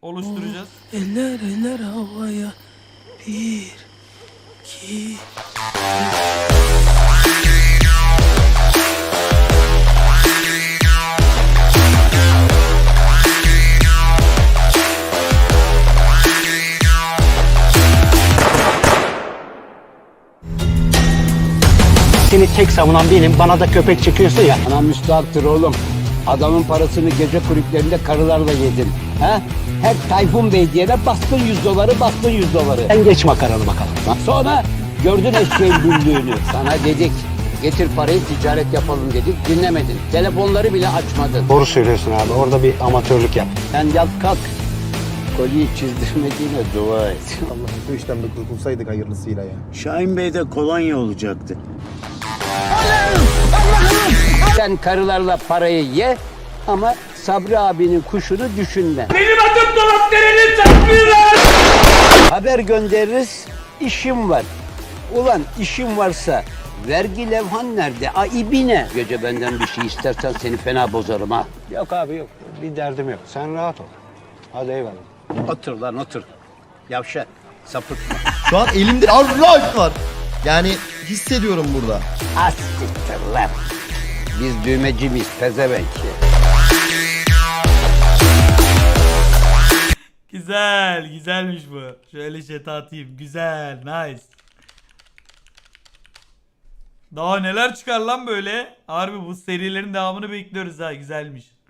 oluşturacağız. Eller eller havaya. 1, 2. Seni tek savunan benim, bana da köpek çekiyorsun ya. Ana müstahaktır oğlum. Adamın parasını gece kulüplerinde karılarla yedin. Ha? Her Tayfun Bey diyene bastın 100 doları, bastın 100 doları. Sen geç makaranı bakalım. Sonra gördün eşeğin güldüğünü. Sana dedik, getir parayı ticaret yapalım dedik, dinlemedin. Telefonları bile açmadın. Doğru söylüyorsun abi, orada bir amatörlük yap. Sen yat kalk. Kolyeyi çizdirmediğine dua et. Allah'ım şu işten bir kurtulsaydık hayırlısıyla ya. Şahin Bey'de kolonya olacaktı. Sen karılarla parayı ye ama Sabri abinin kuşunu düşünme. Benim adım Dolap Dere'nin takmıyorlar. Haber göndeririz, işim var. Ulan işim varsa vergi levhan nerede? İbine. Gece benden bir şey istersen seni fena bozarım ha. Yok abi yok, bir derdim yok. Sen rahat ol. Hadi eyvallah. Otur lan otur. Yavşak, sapıtma. Şu an elimde Allah var. Yani hissediyorum burada. Astiktir lan. Biz düğmeci miyiz pezevenk? Güzel, güzelmiş bu. Şöyle chat'e atayım. Güzel, nice. Daha neler çıkar lan böyle? Harbi bu serilerin devamını bekliyoruz ha. Güzelmiş.